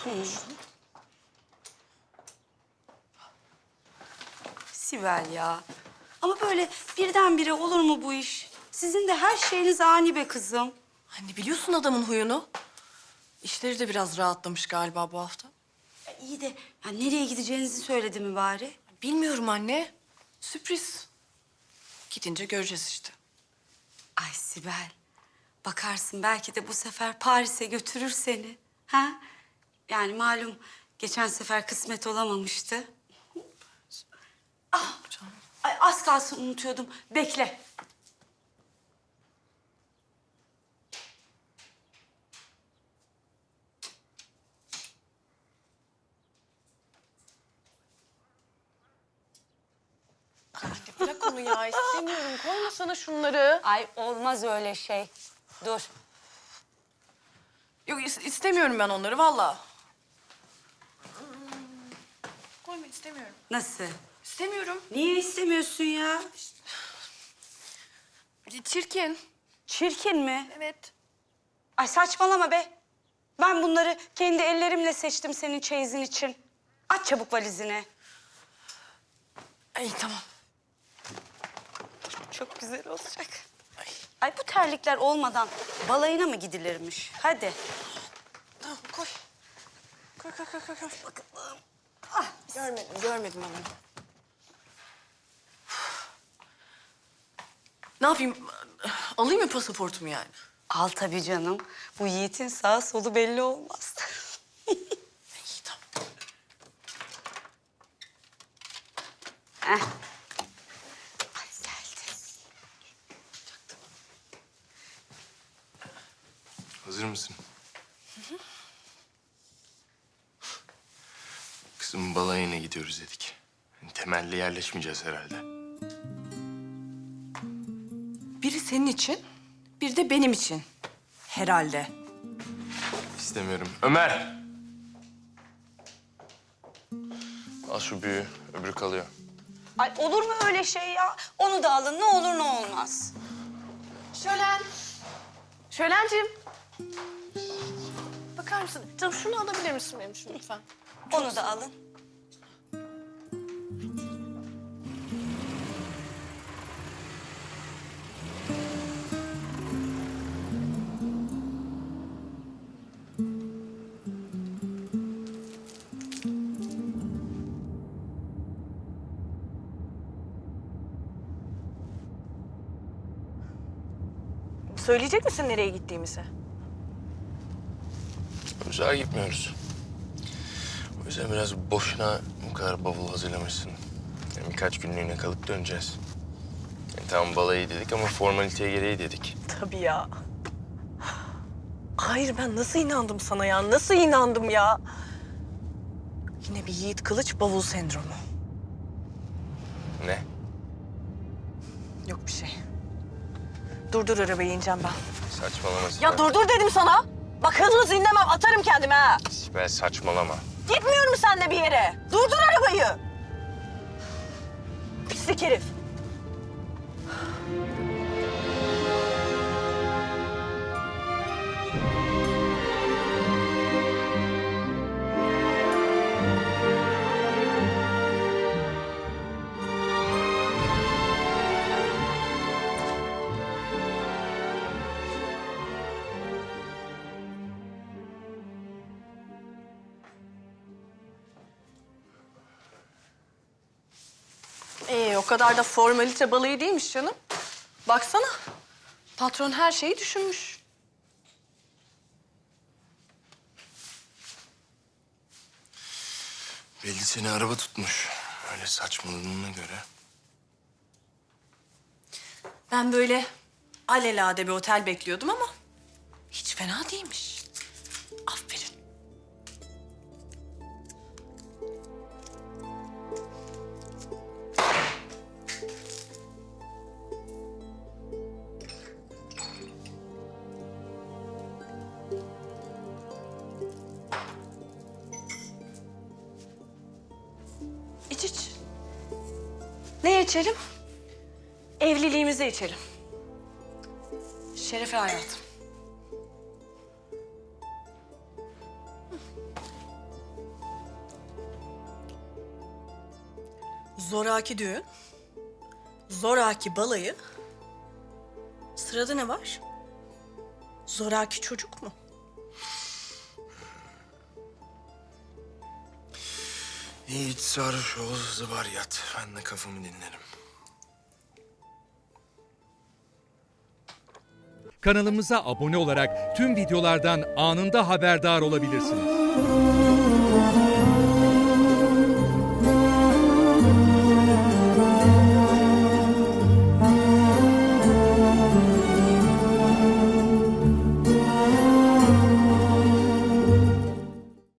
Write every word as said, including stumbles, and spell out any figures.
Sibel ya. Ama böyle birdenbire olur mu bu iş? Sizin de her şeyiniz ani be kızım. Anne biliyorsun adamın huyunu. İşleri de biraz rahatlamış galiba bu hafta. Ya iyi de ya nereye gideceğinizi söyledi mi bari? Bilmiyorum anne. Sürpriz. Gidince göreceğiz işte. Ay Sibel. Bakarsın belki de bu sefer Paris'e götürür seni. Ha? Yani malum geçen sefer kısmet olamamıştı. Ah, Canım. ay az kalsın unutuyordum. Bekle. Anne bırak onu ya. İstemiyorum. Koyma sana şunları. Ay olmaz öyle şey. Dur. Yok is- istemiyorum ben onları vallahi. Koyma istemiyorum. Nasıl? İstemiyorum. Niye istemiyorsun ya? Çirkin. Çirkin mi? Evet. Ay saçmalama be. Ben bunları kendi ellerimle seçtim senin çeyizin için. Aç çabuk valizini. İyi tamam. Çok güzel olacak. Ay. Ay bu terlikler olmadan balayına mı gidilirmiş? Hadi. Tamam koy. Koy koy koy koy. koy. Bakalım. Ah. Görmedim, görmedim ben onu. Ne yapayım? Alayım mı pasaportumu yani? Al tabii canım. Bu Yiğit'in sağ solu belli olmaz. İyi tamam. Heh. Ay geldi. Hazır mısın? Hı hı. Kızım balayına gidiyoruz dedik. Yani temelli yerleşmeyeceğiz herhalde. Biri senin için, biri de benim için. Herhalde. İstemiyorum. Ömer! Al şu büyüğü, öbürü kalıyor. Ay olur mu öyle şey ya? Onu da alın ne olur ne olmaz. Şölen. Şölenciğim. Bakar mısın? Canım şunu alabilir misin benim için lütfen? Onu da alın. Söyleyecek misin nereye gittiğimizi? Uzağa gitmiyoruz. O yüzden biraz boşuna bu kadar bavul hazırlamışsın. Yani birkaç günlüğüne kalıp döneceğiz. Yani tamam balayı dedik ama formaliteye gereği dedik. Tabii ya. Hayır ben nasıl inandım sana ya? Nasıl inandım ya? Yine bir Yiğit Kılıç bavul sendromu. Ne? Yok bir şey. Durdur arabayı ineceğim ben. Saçmalama Sibel. Ya durdur dedim sana. Bak hız hız inlemem atarım kendime ha. Sibel saçmalama. Gitmiyorum seninle bir yere. Durdur arabayı. Pislik herif. Ee, o kadar da formalite balayı değilmiş canım. Baksana. Patron her şeyi düşünmüş. Belli seni araba tutmuş. Öyle saçmaladığına göre. Ben böyle alelade bir otel bekliyordum ama hiç fena değilmiş. Aferin. İç iç. Ne içelim? Evliliğimize içelim. Şerefe hayatım. Zoraki düğün, zoraki balayı. Sırada ne var? Zoraki çocuk mu? Yiğit Sarhoşoğlu zıbar yat. Ben de kafamı dinlerim. Kanalımıza abone olarak tüm videolardan anında haberdar olabilirsiniz.